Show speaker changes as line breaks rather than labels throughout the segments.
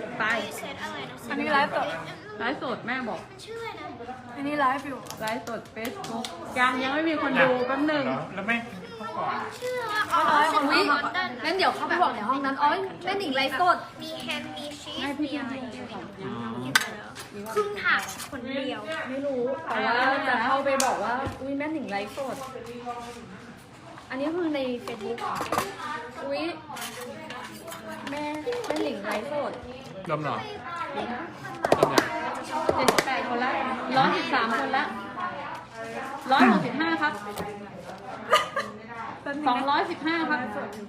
ไป
เซตอะไรนะ
อันนี้ไลฟ์สด
ไลฟ์สดแม่บอก
มันชื่ออะไรนะ
อันนี้ไลฟ์อยู่
ไลฟ์สดเฟซบุ๊กยังไม่มีคนดูแป๊บหนึ่ง
แล้วไม่เข้าก่อน
ชื่อว่าอ๋อเซตของลอนดอน
งั้นเดี๋ยวเข้าไปบอกในห้องนั้นอ๋อแม่หนิงไลฟ์สด
มีแฮมมีชีส
ให้พี่
มีอะไรครึ่งถาดคนเดียว
ไม่รู้แต่ว่าจะเข้าไปบอกว่าอุ้ยแม่หนิงไลฟ์สด อันนี้คือในเฟซบุ๊กอุ้ยแม่หนิงไลฟ์สด
รวมหน่อย
78 คนละ113 คนละ165 ครับ 215 ครับ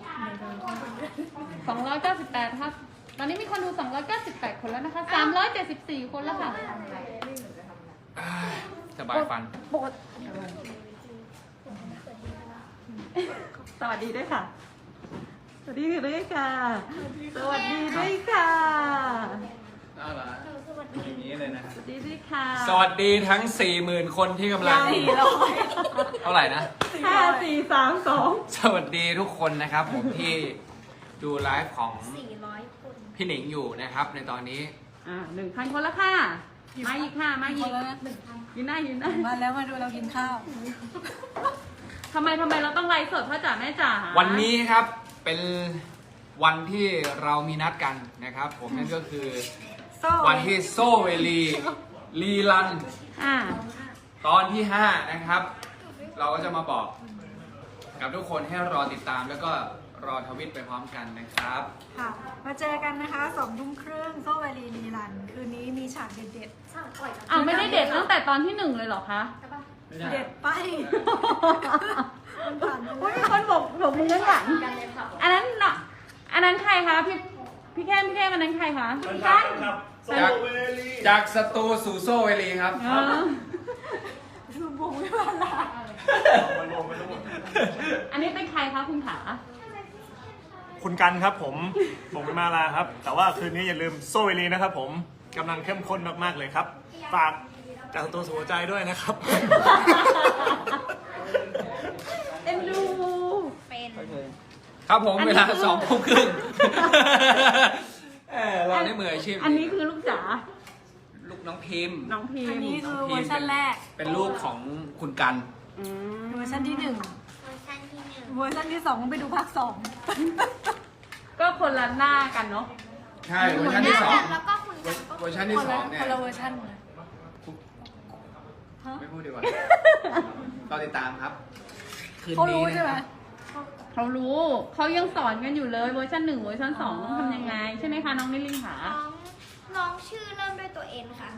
298 ครับ ตอนนี้มีคนดู 298 คนแล้วนะคะ 374 คนแล้วค่ะ
สบายฟัน
ปกติ
สวัสดีด้วยค่ะ สวัสดีด้วยค่ะ สวัสดีด้วยค่ะ
อย่างนี้เลยนะ
สวัสดีด้วยค่ะ
สวัสดีทั้ง 40,000 คนที่กำลัง เท่าไหร่นะ
5 4 3 2
สวัสดีทุกคนนะครับ ผมที่ดูไลฟ์ของ
400 คน
พี่หนิงอยู่นะครับ ในตอนนี้
1,000 คนแล้วค่ะ มาอีกค่ะ มาอีกยืนได้ยืนได้
มาแล้วมาดูเรากินข้าว
ทำไมเราต้องไลฟ์สดพ่อจ๋าแม่จ๋า
วันนี้ครับเป็นวันที่เรามีนัดกันนะครับ ผมนั่นก็คือวันที่โซเวลีรีลัน
อ่า
ตอนที่ 5 นะครับ เราก็จะมาบอกกับทุกคนให้รอติดตามแล้วก็รอทวิตไปพร้อมกันนะครับ
ค่ะ มาเจอกันนะคะ20:30โซเวลีรีรัน คืนนี้มีฉากเด็ด
อ้าวไม่ได้เด็ดตั้งแต่ตอนที่ 1 เลยเหรอคะ
ๆ เด็ดไปมันผ่านไป
โอ้ย
แล้ว
มีคนบอกมือข้างหลังอันนั้นน่ะอันนั้นใครคะพี่แค่อันนั้นใครคะพี่กัน
จากสตูสู่โซเวลีครับ
ดูบงไม่ผ่านละ
อันนี้เป็นใครคะคุณขา
คุณกันครับผมเป็นมาลาครับ แต่ว่าคืนนี้อย่าลืมโซเวลีนะครับผมกำลังเข้มข้นมากๆเลยครับ ฝากจากตัวสู่หัวใจด้วยนะครับ
เอ็นดู
เป็น
ครับผม
อันนี้
เวลา
คือ
2:30เราได้มืออาชีพ
อันนี้คือลูกจ๋า
ลูกน้องพิมพ์
น้องพิม
อัน
พ์
นี้คือเวอร์ชันแรก
เป็นลูกของคุณกัน
อืม
เวอร์ชันที่
เวอร์ชันที่
1 เวอร์ชันที่ 2 ไปดูภาค 2
ก็คนละหน้ากันเนาะ
ใช่เวอร์ชัน
1
ที่สอง
แล้วก็คุณกันก็
เวอร์ชัน
ค
ที่
น
ส
ละ
องเนี่ย
คนละเวอร์ชันเลย
ไม่พูดดีกว่าเราติดตามครับ คืน
เขา
นี้
รู้
นะ
ใช่ไหม
ครับ
เขารู้เขายังสอนกันอยู่เลยเวอร์ชัน1เวอร์ชัน2ต้องทำยังไง ใช่ไหมคะน้องนิลินขา
น้องชื่อเริ่มด้วยตัว N ค่ะ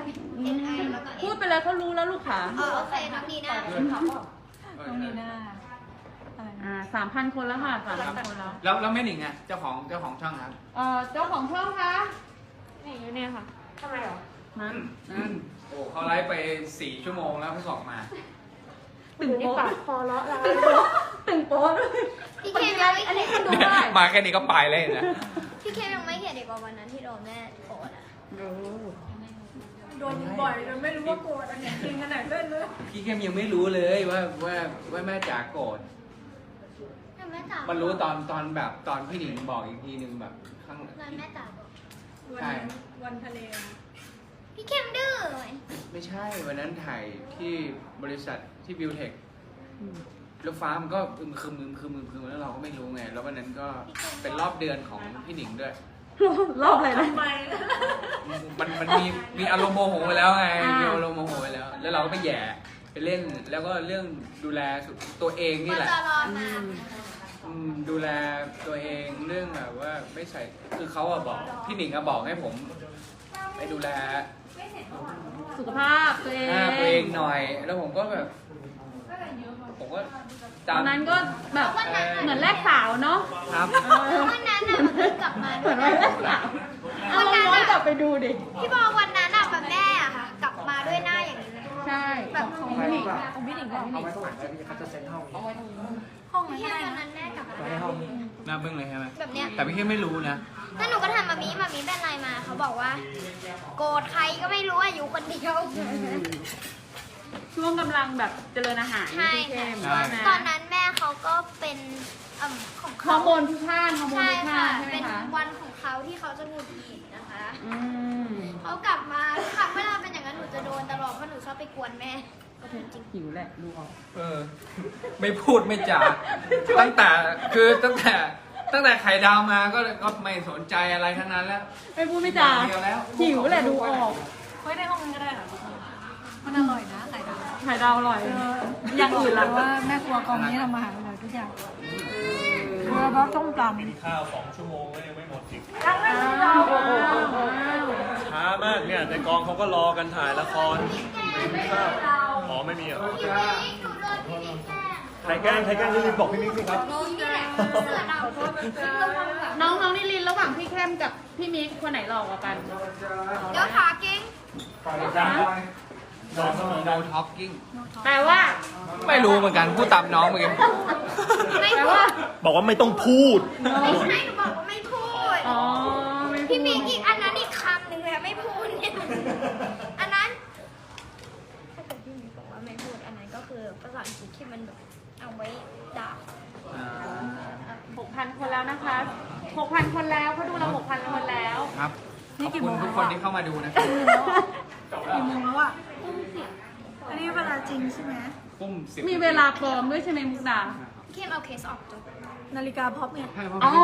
N I แล้วก็
พูด
N
ไปเลยเขารู้แล้วลูกขา
โอเคน้องดีน่า
น้องนีน่าอะไรนะ
3,000 คนแล้วค่ะ3,000 คนแล้ว
แล้วแม่หนิงอ่ะเจ้าของช่องครับ
เจ้าของช่องคะ
นี่อยู่เนี่ยค่ะทำไมหรอ
นั่น
โอ้เขาไลฟ์ไป4 ชั่วโมงแล้วเพิ่งออกมา
ตึงโป๊ะคอเลาะแล้วตึงโป๊ะด้วย
พี่เคยังไม่
อันนี้
เห็น
คนดูเท่าไหร่
มาแค่นี้ก็ไปเลยนะ
พี่เคยังไม่เห็นอีกว่าวันนั้นที่โดนแม่โกรธอ่ะ
โดนบ่อยจนไม่รู้ว่าโกรธอันไหนจริงอันไหนเล่นเลย
พี่เข้มยังไม่รู้เลยว่าแม่จ๋าโกรธ
แต่แม่จ๋า
มันรู้ตอนแบบตอนพี่หนิงบอกอีกทีนึงแบบข้าง
วันแม่จ๋าบอก
ใช่
วันทะเล
พี่เข้มดื้อ
ไม่ใช่วันนั้นถ่ายที่บริษัทที่บิวเทคแล้วฟ้ามันก็อึมครึมแล้วเราก็ไม่รู้ไง แล้ววันนั้นก็เป็นรอบเดือนของพี่หนิงด้วย
รอบอะไรนะ
มันมีอารมณ์โมโหไปแล้วไง
อ่ามี
มีอารมณ์โมโหไปแล้ว แล้วเราก็ไปแหย่ไปเล่น แล้วก็เรื่องดูแลตัวเองนี่
มัน
แหละ
จะรอมา
ดูแลตัวเองเรื่องแบบว่าไม่ใส่คือเขาอะบอกพี่หนิงอะบอกให้ผมไปดูแล
สุขภาพตัวเอง
ตัวเองหน่อย แล้วผมก็แบบผมก็
ตอนนั้นก็แบบเหมือนแรกสาวเนาะ
ครับ
วันนั้นน่ะมันเพิ่งกลับมา
เห
ด้
มื
ว
อย น
นะ
แรกสาวเอาลองย้อนกลับไปดูดิ
พี่บอกวันนั้นน่ะแบบแม่อะค่ะ กลับมาด้วยหน้าอย่างนี้เลย
ใช่
แบบ
ของพี่หนิง
ของพี่หนิงก่อน
เอาไว้ข้างหลังแล้วพี่เขาจะเซ็นห้อง
ห้อง
พี่
นั้น
แค่
ได้
วัน
นะ
นั้นแม่กลับมา
ไว้ในห้อง
หน้าบึ้งเลยใช่ไหม
แบบเนี้ย
แต่พี่แค่ไม่รู้นะ
แล้วหนูก็ถามมามีเป็นไรมาเขาบอกว่า โกรธใครก็ไม่รู้อะอยู่คนเดียว
ช่วงกำลังแบบเจริญอาหาร
ใช่
พี่เข้ม
ใช่
ว่านะ
ตอนนั้นแม่เขาเขาก็เป็นของ
ฮอ
เขา
ร์โมนพิฆาตฮอร์โมน
ใช่
พิฆา
ค่ะ
ตใช่ไหม
เป็น
คะ
วันของเขาที่เขาจะหงุดหงิดนะคะ
อืม
เขากลับมาทุกครั้งเวลาเป็นอย่างนั้นหนูจะโดนตลอดเพราะหนูชอบไปกวนแม่ก็จริง
หิวแหละดูออก
ไม่พูดไม่จาตั้งแต่ไข่ดาวมาก็ไม่สนใจอะไรทั้งนั้นแล้ว
ไม่พูดไม่จา
เดียวแล้ว
หิวแหละดูออก
ไว้ในห้องนั้นก็ได้ค่ะมันอร่อยนะไข่ดาว
ไข่ดาวอร่อย อย่างอื่น
แต่
ล่ะ
ว่าแม่ครัวกองนี้ทำอาหารอร่อยทุกอย่างโดยเฉพาะต้มยำ
กินข้าว2 ชั่วโมงก็ยังไม่หมดอีก
ยังไม่ได้เรา
ช้ามากเนี่ยในกองเขาก็รอกันถ่ายละครกินข้าวอ๋อไม่มีเหรอ
ๆพี่มิกหนูโดนพี่มิกแกล้ง
ใครแกล้งพี่มิกบอกพี่มิกสิครับ
นี่แหละเสือดาวขอโทษนะคะ
น้องนิลินระหว่างพี่แคมกับพี่มิกคนไหนหล่อกว่ากัน
เดี๋ยวขาเก่ง
no talking
แปลว่า
ไม่รู้เหมือนกันพูดตามน้องเหมือนกัน
ไม่
แปล
พู
ว่า
ด
บอกว่าไม่ต้องพูด
ไม่ใช่หนูบอกว่าไม่พูด
อ๋อไม่พู
พี่มิก
ด
อีกอันนั้นอีกคำหนึ่งเลยอะไม่พูดเนี่ยอันนั้นถ้าเกิดพี่มิกบอกว่าไม่พูดอันนั้นก็คือภาษาอังกฤษที่มันแบบเอาไว้ด่า
6,000 คนแล้วนะคะ 6,000 คนแล้วเขาดูเรา 6,000 คนแล้ว
ครับขอบคุณทุกคนที่เข้ามาดูนะครับ
กี่โมงแล้วอ่ะอันนี้เวลาจริงใช่ไหม
ปุ้มสิบ
มีเวลาปลอมด้วยใช่ไหมมุกดา
เข้มเอาเคสออกจบ
นาฬิกาพ็อปเนี่ย
ใช่เพราะ
อ๋อ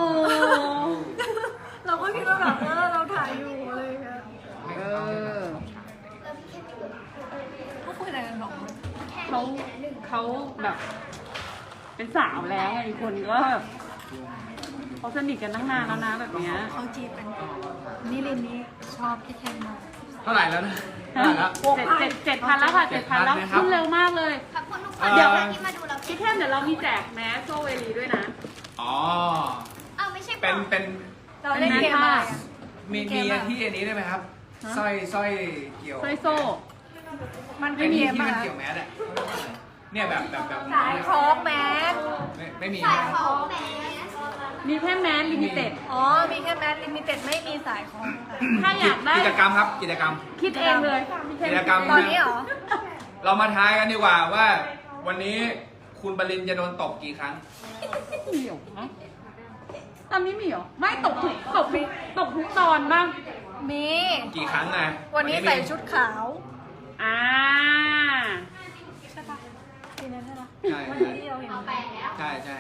เราก็คิดว่าแบบเราถ่ายอยู่อะไรอย่างเงี้ย
เออ
แล้วพี่เข้มอยู่
เขาคุยอะไรกันหรอ
แค่
เขา
นี้หนึ่ง
เขาแบบ เป็นสาวแล้วไงคนก็แบบเขาสนิทกันตั้งนานแล้วนะแบบเนี้ย
เขาจีบกันนิรินนี้ชอบพี่แคนมาก
เท่าไหร่แล้วนะเท่าไหร่แล้ว
7,000แล้วค่ะ7,000แล้ว
นะครับ
ขึ้นเร็วมากเลย
ขอบคุณทุกคน
เดี๋ยว
ที่มาดูเรา
พี่แค่เดี๋ยวเรามีแจกแมสโซเวลีด้วยนะ
อ๋อ
เอาไม่ใช่
เป็น
เราเล่นเกมอะไรอะ
มีที่อันนี้ได้ไหมครับ
ฮะ
สร้อยเกี่ยว
สร้อยโซ่
มัน
ไอ้
เป็น
นี่
เกม
ที่
อะ
มันเกี่ยวแมสอะเนี่ยแบบ
สายคล้องแมส
ไม่มี
สายของแหม
มีแค่แมสลิมิเต็ด
อ๋อ มีแค่แมสลิมิเต็ดไม่มีสายคล้องค่ะ
ถ้าอยากได้
กิจกรรมครับกิจกรรม
คิดเองเลยพี่แค่
กิจกรรม
ตอนนี้เหรอ
เรามาทายกันดีกว่าว่า วันนี้คุณปรินจะโดนตบกี่ครั้ง
มีเหรอฮะตอนนี้มีเหรอ ไม่ตกทุกตอนบ้าง
มี
กี่ครั้งไง
วันนี้ใส่ชุดขาว
อ่า
ใช่ปะทีนั้นใช่ปะ
ใช่
วัน
ใช่
นี้เราเห็น
เอาไปแล้ว
ใช่ใช่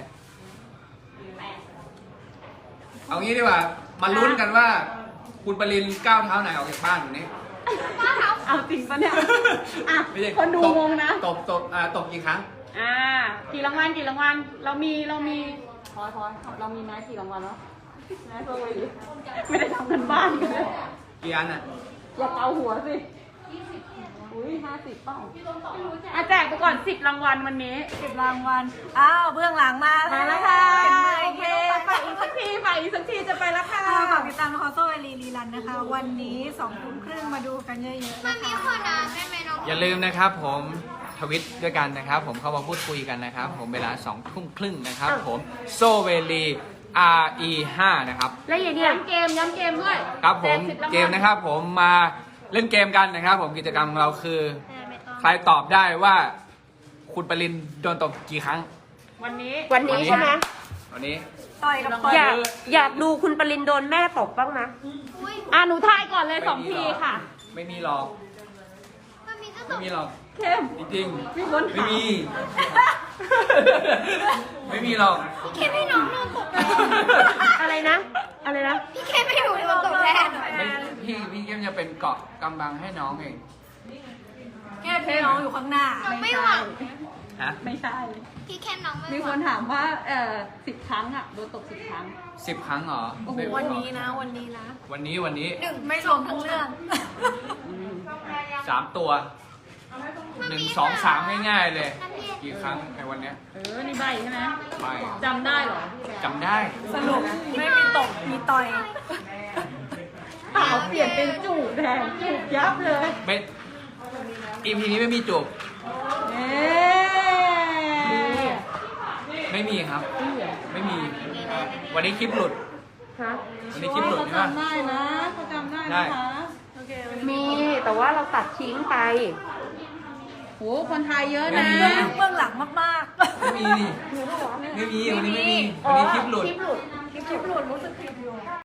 เอางี้ดีกว่า มาลุ้นกันว่า คุณปรินก้าวเท้าไหนออกจากบ้านวันนี้
เอาจริงปะเนี่ย อ่ะ
ไม่ใช่
คนดู
ตบ
งงนะ
ตบกี่ครั้ง
อ่า กี่รางวัลเรามีพอเรามีแมสกี่รางวัลแล้วแมสโซเวลีไม่ได้ทำกันบ้านกันเลย
กี่อันอ่ะ
อย่าเอาหัวสิอุ้ย50เปล่าอ่ะแจกไปก่อน10รางวัลวันนี้
10 รางวัล อ้าว เบื้องหลังมา
มา
แล้
แล้ว ว
ค่ะ
ค่ะ
โอ
โอ
เค
เค
ไป
ฝากอีกสักทีจะไปแล้วค่ะ
ฝากติดตามละครโซเวลีรีรันนะคะ วันนี้2 ทุ่มครึ่งมาดูกันเยอะๆ
มั
นะ
นมี
คะ
คนอ่ะแม่แม่น้อง
อย่าลืมนะครับผมทวิตด้วยกันนะครับ ผมเข้ามาพูดคุยกันนะครับ ผมเวลา2 ทุ่มครึ่งนะครับ ผมโซเวลี RE5 นะครับ
แล้วอย่างนี้ย้ำเกมด้วย
ครับผม
แจ10รางวัล
เกมนะครับ ผมมาเล่นเกมกันนะครับ ผมกิจกรรมของเราคือ
แม่ไม่ต้อง
ใครตอบได้ว่า คุณปรินโดนตบกี่ครั้ง
วันนี้
วันนี้ใช่ไหม
วันนี้
ต่อยกับต่อย
อยากดูคุณปรินโดนแม่ตบบ้างนะ
อุ้ย
อ่ะหนูทายก่อนเลย2 ทีค่ะ
ไม่มีหรอก
มันมีก็ต
ไม่
ก
มีหรอก
เข้ม
จริง
มีคน
ๆไม่
ถาม
มี ไม่มีหรอก
พี่เข้มให้น้องโดนตกแทน
อะไรนะ อะไรนะ
พี่เข้มให้หนูโดนตกแทน
ไม่พี่เกมจะเป็นเกาะกำบังให้น้องเอง
แค่พี่น้องอยู่ข้างหน้า
น้องไม่หวัง
ฮะ
ไม่ใช่
พี่เข้มน้องไม่
มี
ห
ค
วัง
นถามว่า10 ครั้งอ่ะโดนตก10 ครั้ง
10 ครั้งเหรอ
โอ้โห
วันนี้นะ วันนี้นะ
วันนี้
ไม่รวมทั้งเรื่อง
3 ตัว 1 2 3 ง่ายๆเลย กี่ครั้งในวันเนี้ย
นี่ใบใช่ไหม
ไม่
จำได้เหรอ
จำได้
สรุปไม่มีตก มีต่อย
เปล่าเปลี่ยนเป็นจูบแทนจูบยับเลย
ไม่ EP นี้ไม่มีจูบ
เอ๊ะ
ไม่มีครับ ไม่มี วันนี้คลิปหลุด
ฮะ
วันนี้คลิปหลุด
เขา
ใช่ไหม
จำได้นะเขาจำได้
ได้
นะคะ
มี แต่ว่าเราตัดทิ้งไป
โหคนไทยเยอะ
อัน
นะ
นี้เบื้องหลังมาก
ไม่มีนี่ไม่มีวันนี้ไม่มีวันนี้คลิปหลุด
คลิปหลุดรู้สึกผิดอยู่